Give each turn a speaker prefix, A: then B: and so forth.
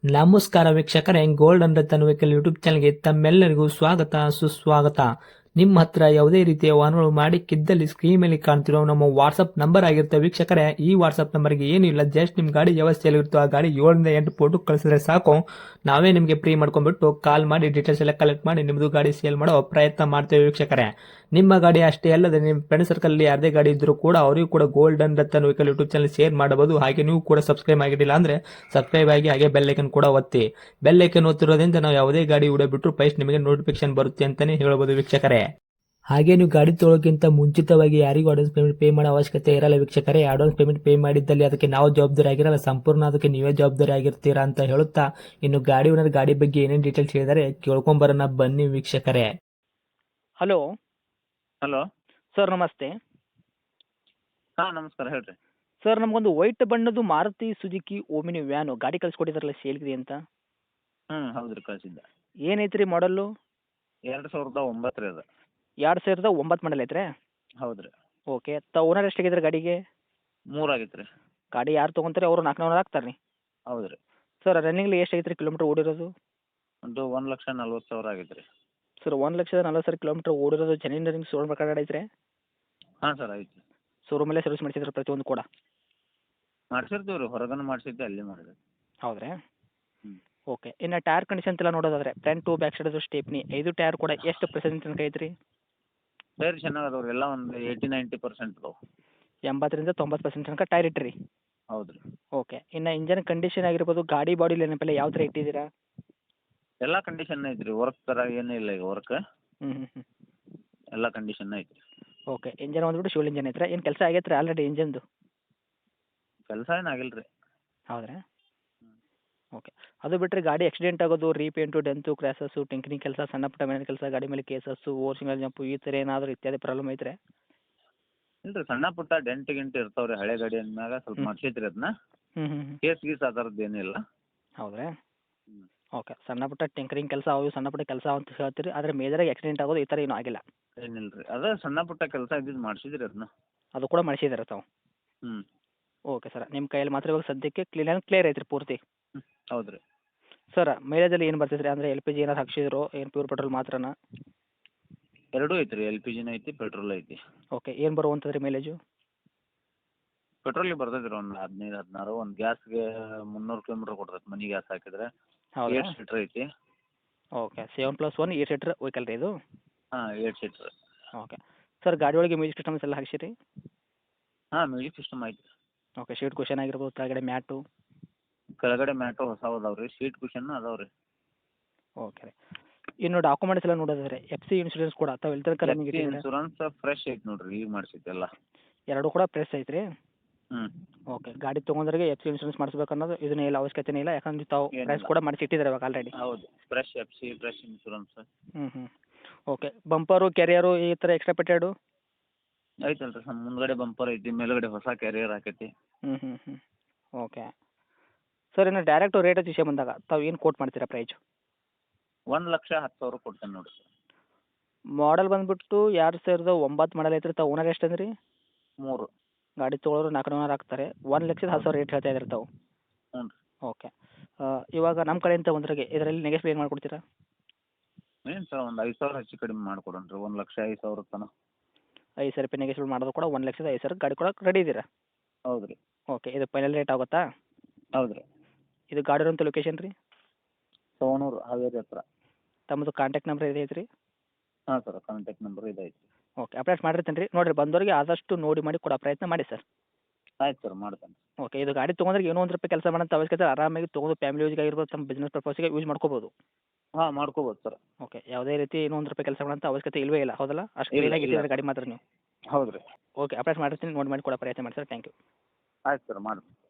A: ನಮಸ್ಕಾರ ವೀಕ್ಷಕರೇ, gold and Ratan vehicle YouTube ಚಾನಲ್ಗೆ ತಮ್ಮೆಲ್ಲರಿಗೂ ಸ್ವಾಗತ ಸುಸ್ವಾಗತ. ನಿಮ್ಮ ಹತ್ರ ಯಾವುದೇ ರೀತಿಯ ವಾಹನಗಳು ಮಾಡಿಕ್ಕಿದ್ದಲ್ಲಿ ಸ್ಕ್ರೀನ್ ಮೇಲೆ ಕಾಣ್ತಿರೋ ನಮ್ಮ ವಾಟ್ಸ್ಆಪ್ ನಂಬರ್ ಆಗಿರುತ್ತೆ ವೀಕ್ಷಕರೇ. ಈ ವಾಟ್ಸ್ಆಪ್ ನಂಬರ್ಗೆ ಏನಿಲ್ಲ, ಜಸ್ಟ್ ನಿಮ್ಮ ಗಾಡಿ ವ್ಯವಸ್ಥೆಯಲ್ಲಿರುತ್ತೋ ಆ ಗಾಡಿ 7ರಿಂದ 8 ಫೋಟೋ ಕಳಿಸಿದ್ರೆ ಸಾಕು. ನಾವೇ ನಿಮಗೆ ಫ್ರೀ ಮಾಡ್ಕೊಂಡ್ಬಿಟ್ಟು ಕಾಲ್ ಮಾಡಿ ಡೀಟೇಲ್ಸ್ ಎಲ್ಲ ಕಲೆಕ್ಟ್ ಮಾಡಿ ನಿಮ್ಮದು ಗಾಡಿ ಸೇಲ್ ಮಾಡೋ ಪ್ರಯತ್ನ ಮಾಡ್ತೇವೆ ವೀಕ್ಷಕರೇ. ನಿಮ್ಮ ಗಾಡಿ ಅಷ್ಟೇ ಅಲ್ಲದೆ ನಿಮ್ಮ ಫ್ರೆಂಡ್ ಸರ್ಕಲ್ ಅಲ್ಲಿ ಯಾರದೇ ಗಾಡಿ ಇದ್ರೂ ಕೂಡ ಅವರಿಗೂ ಕೂಡ gold and Ratan vehicle YouTube channel share ಮಾಡಬಹುದು. ಹಾಗೆ ನೀವು ಕೂಡ ಸಬ್ಸ್ಕ್ರೈಬ್ ಆಗಿರಲಿಲ್ಲ ಅಂದ್ರೆ ಸಬ್ಸ್ಕ್ರೈಬ್ ಆಗಿ ಹಾಗೆ ಬೆಲ್ ಐಕನ್ ಕೂಡ ಒತ್ತಿ. ಬೆಲ್ ಐಕನ್ ಒತ್ತಿರೋದ್ರಿಂದ ನಾವು ಯಾವುದೇ ಗಾಡಿ ವಿಡಿಯೋ ಬಿಟ್ಟರು ಫಸ್ಟ್ ನಿಮಗೆ ನೋಟಿಫಿಕೇಶನ್ ಬರುತ್ತೆ ಅಂತಾನೆ ಹೇಳ್ಬೋದು ವೀಕ್ಷಕರೇ. ಹಾಗೆ ನೀವು ಗಾಡಿ ತೊಳೋಕ್ಕಿಂತ ಮುಂಚಿತವಾಗಿ ಯಾರಿಗೂ ಅಡ್ವಾನ್ಸ್ ಪೇಮೆಂಟ್ ಪೇ ಮಾಡೋ ಅವಶ್ಯಕತೆ ಇರಲ್ಲ ವೀಕ್ಷಕರೇ. ಅಡ್ವಾನ್ಸ್ ಪೇಮೆಂಟ್ ಪೇ ಮಾಡಿದ್ದಲ್ಲಿ ಅದಕ್ಕೆ ನಾವು ಜವಾಬ್ದಾರಿ ಆಗಿರಲ್ಲ, ಸಂಪೂರ್ಣ ಅದಕ್ಕೆ ನೀವೇ ಜವಾಬ್ದಾರಿ ಆಗಿರ್ತೀರಾ ಅಂತ ಹೇಳುತ್ತಾ, ಇನ್ನು ಗಾಡಿ ಓನರ್ ಗಾಡಿ ಬಗ್ಗೆ ಏನೇನು ಡೀಟೇಲ್ಸ್ ಹೇಳಿದರೆ ಕೇಳ್ಕೊಂಬರೋಣ ಬನ್ನಿ ವೀಕ್ಷಕರೇ.
B: ಹಲೋ
C: ಹಲೋ
B: ಸರ್, ನಮಸ್ತೆ
C: ಹಾಂ ನಮಸ್ಕಾರ ಹೇಳ್ರಿ.
B: ಸರ್. ನಮಗೊಂದು ವೈಟ್ ಬಣ್ಣದ್ದು ಮಾರುತಿ ಸುಜುಕಿ ಓಮಿನಿ ವ್ಯಾನು ಗಾಡಿ ಕಳಿಸ್ಕೊಟ್ಟಿದ್ರಲ್ಲ ಸೇಲ್ಗಿದೆ ಅಂತ.
C: ಹೌದ್ರಿ ಕಳಿಸಿದ್ದೆ.
B: ಏನೈತ್ರಿ ಮಾಡಲ್ಲು?
C: 2009 ರೀ ಅದು.
B: 2009 ಮಾಡಲ್ ಐತ್ರಿ?
C: ಹೌದ್ರಿ.
B: ಓಕೆ. ಓನರ್ ಎಷ್ಟಾಗಿದ್ರಿ ಗಾಡಿಗೆ?
C: 3 ಆಗೈತೆ ರೀ.
B: ಗಾಡಿ ಯಾರು ತೊಗೊಂತಾರೆ ಅವರು 400 ಹಾಕ್ತಾರೆ ರೀ?
C: ಹೌದ್ರಿ.
B: ಸರ್ ರನ್ನಿಂಗ್ಲಿ ಎಷ್ಟಾಗೈತೆ ರೀ ಕಿಲೋಮೀಟ್ರ್ ಓಡಿರೋದು?
C: ಒಂದು 1,40,000 ಆಗೈತೆ ರೀ.
B: ಸರ್ 1,40,000 ಕಿಲೋಮೀಟ್ರ್ ಓಡಿರೋದು ಜೆನ್ಯೂನ್ ರನ್ನಿಂಗ್ ಶೋರೂಮ್ ಪ್ರಕಾರ ಐತ್ರಿ?
C: ಹಾಂ ಸರ್ ಐತಿ.
B: ಶೋರೂಮಲ್ಲೇ ಸರ್ವಿಸ್ ಮಾಡಿಸಿದ್ರೆ ಪ್ರತಿಯೊಂದು ಕೂಡ?
C: ಮಾಡ್ಸಿರ್ತೀವಿ ರೀ, ಹೊರಗನ ಮಾಡಿಸಿದ್ದೆ ಅಲ್ಲಿ ಮಾಡಿದ್ವಿ.
B: ಹೌದ್ರಾ?
C: ಹ್ಞೂ.
B: ಓಕೆ. ಇನ್ನು ಟೈರ್ ಕಂಡೀಷನ್ ಎಲ್ಲ ನೋಡೋದಾದ್ರೆ front to back side stepney 5 tyre ಕೂಡ ಎಷ್ಟು ಪರ್ಸೆಂಟ್ ತನಕ ಐತ್ರಿ?
C: ಟೈರ್ ಚೆನ್ನಾಗಿ ಅದಾವ್ರಿ, ಎಲ್ಲ ಒಂದು 80-90% ಅದಾವೆ.
B: 80ರಿಂದ 90% ತನಕ ಟೈರ್ ಇಟ್ಟಿರಿ?
C: ಹೌದ್ರಿ.
B: ಓಕೆ. ಇನ್ನು ಇಂಜನ್ ಕಂಡೀಷನ್ ಆಗಿರ್ಬೋದು, ಗಾಡಿ ಬಾಡಿ ಲೈನಪ್ಪೆಲ್ಲ ಯಾವ ಥರ ಇಟ್ಟಿದ್ದೀರಾ?
C: ಎಲ್ಲ ಕಂಡೀಷನ್ ಐತ್ರಿ, ವರ್ಕ್ ಥರ ಏನೂ ಇಲ್ಲ ಈಗ ವರ್ಕ್.
B: ಹ್ಞೂ.
C: ಎಲ್ಲ ಕಂಡೀಷನ್ ಐತಿ.
B: ಓಕೆ. ಇಂಜನ್ ಬಂದ್ಬಿಟ್ಟು ಶಿವಲ್ ಇಂಜನ್ ಐತ್ರಾ? ಏನು ಕೆಲಸ ಆಗೈತ್ರಿ ಆಲ್ರೆಡಿ ಇಂಜನ್ದು?
C: ಕೆಲಸ ಏನು ಆಗಿಲ್ಲ ರೀ.
B: ಹೌದ್ರಾ? ಓಕೆ. ಅದು ಬಿಟ್ಟರೆ ಗಾಡಿ ಆಕ್ಸಿಡೆಂಟ್ ಆಗೋದು, ರೀಪೇಂಟು, ಡೆಂತು, ಕ್ರ್ಯಾಸಸ್ಸು, ಟಿಂಕರಿಂಗ್ ಕೆಲಸ, ಸಣ್ಣ ಪುಟ್ಟ ಮನೆ ಕೆಲಸ, ಗಾಡಿ ಮೇಲೆ ಕೇಸಸ್ಸು, ಓವರ್ ಸಿಂಗಲ್ ಜಂಪು ಈ ಥರ ಏನಾದರೂ ಇತ್ಯಾದಿ ಪ್ರಾಬ್ಲಮ್ ಐತ್ರಿ?
C: ಇಲ್ಲ ರೀ, ಸಣ್ಣ ಪುಟ್ಟ ಡೆಂಟ್ ಗಿಂಟ್ ಇರ್ತಾವೆ ರೀ, ಹಳೆ ಗಾಡಿ ಅಂದಮ್ಯಾಗ ಸ್ವಲ್ಪ ಮಾಡಿಸಿದ್ರಿ ಅದನ್ನ.
B: ಹ್ಞೂ.
C: ಕೇಸ್ ಗೀಸ್ ಆ ಥರದ್ದು ಏನಿಲ್ಲ.
B: ಹೌದ್ರಾ?
C: ಹ್ಞೂ.
B: ಓಕೆ. ಸಣ್ಣ ಪುಟ್ಟ ಟಿಂಕರಿಂಗ್ ಕೆಲಸ ಅವು ಸಣ್ಣ ಪುಟ್ಟ ಕೆಲಸ ಅಂತ ಹೇಳ್ತೀರಿ, ಆದರೆ ಮೇಜರಾಗಿ ಆಕ್ಸಿಡೆಂಟ್ ಆಗೋದು ಈ ಥರ ಏನೂ ಆಗಿಲ್ಲ?
C: ಏನಿಲ್ಲ ರೀ, ಅದೇ ಸಣ್ಣ ಪುಟ್ಟ ಕೆಲಸ ಇದ್ದಿದ್ದು ಮಾಡಿಸಿದ್ರಿ ಅದನ್ನ.
B: ಅದು ಕೂಡ ಮಾಡಿಸಿದಾರೆ ತಾವು?
C: ಹ್ಞೂ.
B: Okay sir. ನಿಮ್ಮ ಕೈಯಲ್ಲಿ ಮಾತ್ರ ಇವಾಗ ಸದ್ಯಕ್ಕೆ ಕ್ಲಿಯರ್ ಐತ್ರಿ ಪೂರ್ತಿ?
C: ಹೌದು ರೀ.
B: ಸರ್ ಮೈಲೇಜಲ್ಲಿ ಏನು ಬರ್ತೈತೆ ರೀ? ಅಂದರೆ ಎಲ್ ಪಿ ಜಿ ಏನಾರು ಹಾಕ್ಸಿದ್ರು, ಏನು ಪ್ಯೂರ್ ಪೆಟ್ರೋಲ್ ಮಾತ್ರನಾ?
C: ಎರಡೂ ಐತೆ ರೀ, LPG ಐತಿ, ಪೆಟ್ರೋಲ್ ಐತಿ.
B: ಓಕೆ. ಏನು ಬರುವಂಥದ್ದು ರೀ ಮೈಲೇಜು?
C: ಪೆಟ್ರೋಲಿಗೆ ಬರ್ತೈತೆ ರೀ ಒಂದು 15-16. ಒಂದು ಗ್ಯಾಸ್ಗೆ 300 ಕಿಲೋಮೀಟ್ರ್ ಕೊಡ್ತೈತೆ ಮನೆ ಗ್ಯಾಸ್ ಹಾಕಿದ್ರೆ.
B: ಹೌದಾ?
C: 8 ಸೀಟ್ರ್ ಐತಿ.
B: ಓಕೆ. 7+1 8 ಸೀಟ್ರ್ ವೆಹಿಕಲ್ ರೀ ಇದು?
C: ಹಾಂ 8 ಸೀಟ್ರ್.
B: ಓಕೆ. ಸರ್ ಗಾಡಿ ಒಳಗೆ ಮ್ಯೂಸಿಕ್ ಸಿಸ್ಟಮ್ಸ್ ಎಲ್ಲ ಹಾಕ್ಸಿರಿ?
C: ಹಾಂ ಮ್ಯೂಸಿಕ್ ಸಿಸ್ಟಮ್ ಐತಿ.
B: ಓಕೆ. ಸೀಟ್ ಕುಷನ್ ಆಗಿರ್ಬೋದು, ಕೆಳಗಡೆ ಮ್ಯಾಟು?
C: ಕೆಳಗಡೆ ಮ್ಯಾಟು ಹೊಸವು ಅದಾವೆ ರೀ, ಸೀಟ್ ಕುಷನ್ ಅದಾವೆ ರೀ.
B: ಓಕೆ ರೀ. ಇನ್ನು ಡಾಕ್ಯುಮೆಂಟ್ಸ್ ಎಲ್ಲ ನೋಡೋದಾದ್ರೆ FC ಇನ್ಶೂರೆನ್ಸ್ ಕೂಡ ತಾವು ಎಲ್ಲಿ ತನಕ ರನ್ನಿಂಗ್ ಇಟ್ಟಿದ್ದೀರಾ?
C: ಇನ್ಶೂರೆನ್ಸ್ ಫ್ರೆಶ್ ಐತಿ ನೋಡಿರಿ, ಈಗ ಮಾಡಿಸೈತೆ ಎಲ್ಲ.
B: ಎರಡು ಕೂಡ ಪ್ರೆಸ್ ಐತ್ರಿ?
C: ಹ್ಞೂ.
B: ಓಕೆ. ಗಾಡಿ ತೊಗೊಂಡ್ರಿಗೆ FC ಇನ್ಶೂರೆನ್ಸ್ ಮಾಡಿಸ್ಬೇಕು ಅನ್ನೋದು ಇದನ್ನ ಎಲ್ಲ ಅವಶ್ಯಕತೆ ಇಲ್ಲ, ಯಾಕಂದ್ರೆ ತಾವು
C: ಏನಿಲ್ಲ.
B: ಪ್ರೈಸ್ ಕೂಡ ಮಾಡಿಸಿ ಇಟ್ಟಿದ್ದಾರೆ ಇವಾಗ ಆಲ್ರೆಡಿ?
C: ಹೌದು, ಫ್ರೆಶ್ FC ಫ್ರೆಶ್ ಇನ್ಶೂರೆನ್ಸ್.
B: ಹ್ಞೂ. ಓಕೆ. ಬಂಪರು, ಕೆರಿಯರು ಈ ಥರ ಎಕ್ಸ್ಟ್ರಾ ಪೆಟ್ಟೆಡು?
C: ಐತಲ್ಲ ರೀ, ಮುಂದ್ಗಡೆ ಬಂಪರ್ ಐತಿ, ಮೇಲ್ಗಡೆ ಹೊಸ ಕ್ಯಾರಿಯರ್ ಹಾಕೈತಿ.
B: ಹ್ಞೂ. ಓಕೆ. ಸರ್ ಇನ್ನು ಡೈರೆಕ್ಟು ರೇಟ್ ವಿಷಯ ಬಂದಾಗ ತಾವು ಏನು ಕೋಟ್ ಮಾಡ್ತೀರಾ ಪ್ರೈಜು?
C: 1,10,000 ಕೊಡ್ತೇನೆ ನೋಡಿ ಸರ್.
B: ಮಾಡಲ್ ಬಂದುಬಿಟ್ಟು 2009 ಮಾಡಲ್ ಐತ್ರಿ. ತಾವು ಓನರ್ ಎಷ್ಟು ಅಂದ್ರಿ?
C: 3.
B: ಗಾಡಿ ತೊಗೊಳೋರು 400 ಆಗ್ತಾರೆ. 1,10,000 ರೇಟ್ ಹೇಳ್ತಾ ಇದ್ದೀರಿ ತಾವು?
C: ಹ್ಞೂ ರೀ.
B: ಓಕೆ. ಇವಾಗ ನಮ್ಮ ಕಡೆಯಿಂದ ಒಂದ್ರಿಗೆ ಇದರಲ್ಲಿ ನೆಗೆಸ್ಬ್ ಏನು ಮಾಡಿಕೊಡ್ತೀರಾ?
C: ಏನು ಸರ್, ಒಂದು 5,000 ಹೆಚ್ಚು ಕಡಿಮೆ ಮಾಡಿಕೊಡೋಣ ರೀ, 1,05,000 ತನಕ.
B: 5,000 ರೂಪಾಯಿ ನೆಗೆಸ್ಬಲ್ ಮಾಡೋದು ಕೂಡ 1,05,000 ಗಾಡಿ ಕೊಡೋಕೆ ರೆಡಿ ಇದ್ದೀರಾ?
C: ಹೌದು ರೀ.
B: ಓಕೆ. ಇದು ಫೈನಲ್ ರೇಟ್ ಆಗುತ್ತಾ?
C: ಹೌದು ರೀ.
B: ಇದು ಗಾಡಿ ಇರೋಂಥ ಲೊಕೇಶನ್ ರೀ?
C: ಸವಣೂರು ಹಾವೇರಿ ಹತ್ರ.
B: ತಮ್ಮದು ಕಾಂಟ್ಯಾಕ್ಟ್ ನಂಬರ್ ಇದೆ ಐತ್ರಿ?
C: ಹಾಂ ಸರ್, ಕಾಂಟ್ಯಾಕ್ಟ್ ನಂಬರ್ ಇದೈತಿ.
B: ಓಕೆ. ಅಪ್ಡೇಟ್ ಮಾಡಿರ್ತೀನಿ ರೀ, ನೋಡಿರಿ ಬಂದವರಿಗೆ ಆದಷ್ಟು ನೋಡಿ ಮಾಡಿ ಕೊಡೋ ಪ್ರಯತ್ನ ಮಾಡಿ ಸರ್.
C: ಆಯ್ತು ಸರ್, ಮಾಡ್ತೇನೆ.
B: ಓಕೆ. ಇದು ಗಾಡಿ ತೊಗೊಂಡ್ರೆ ಏನೋ ಒಂದು ರೂಪಾಯಿ ಕೆಲಸ ಮಾಡೋಂಥ ಅವಶ್ಯಕತೆ ಆರಾಮಾಗಿ ತೊಗೊಂಡು ಫ್ಯಾಮಿಲಿ ಯೂಸ್ಗೆ ಆಗಿರ್ಬೋದು, ತಮ್ಮ ಬಿಸ್ನೆಸ್ ಪರ್ಪಸ್ಗೆ ಯೂಸ್ ಮಾಡ್ಕೋಬೋದು.
C: ಹಾಂ ಮಾಡ್ಕೋಬೋದು ಸರ್.
B: ಓಕೆ. ಯಾವುದೇ ರೀತಿ ಏನೋ ಒಂದು ರೂಪಾಯಿ ಕೆಲಸ ಮಾಡೋಂಥ ಅವಶ್ಯಕತೆ ಇಲ್ಲವೇ ಇಲ್ಲ, ಹೌದಲ್ಲ? ಅಷ್ಟು
C: ಇಲ್ಲ,
B: ಕ್ಲೀನಾಗಿ
C: ಇಲ್ಲ.
B: ಇಟ್ಟಿದ್ದಾರೆ ಗಾಡಿ ಮಾತ್ರ ನೀವು?
C: ಹೌದು ರೀ.
B: ಓಕೆ. ಅಪ್ಡೇಟ್ ಮಾಡಿರ್ತೀನಿ, ನೋಡಿ ಮಾಡಿ ಕೊಡೋ ಪ್ರಯತ್ನ ಮಾಡಿ ಸರ್. Thank you.
C: ಆಯ್ತು ಸರ್, ಮಾಡ್ತೀನಿ.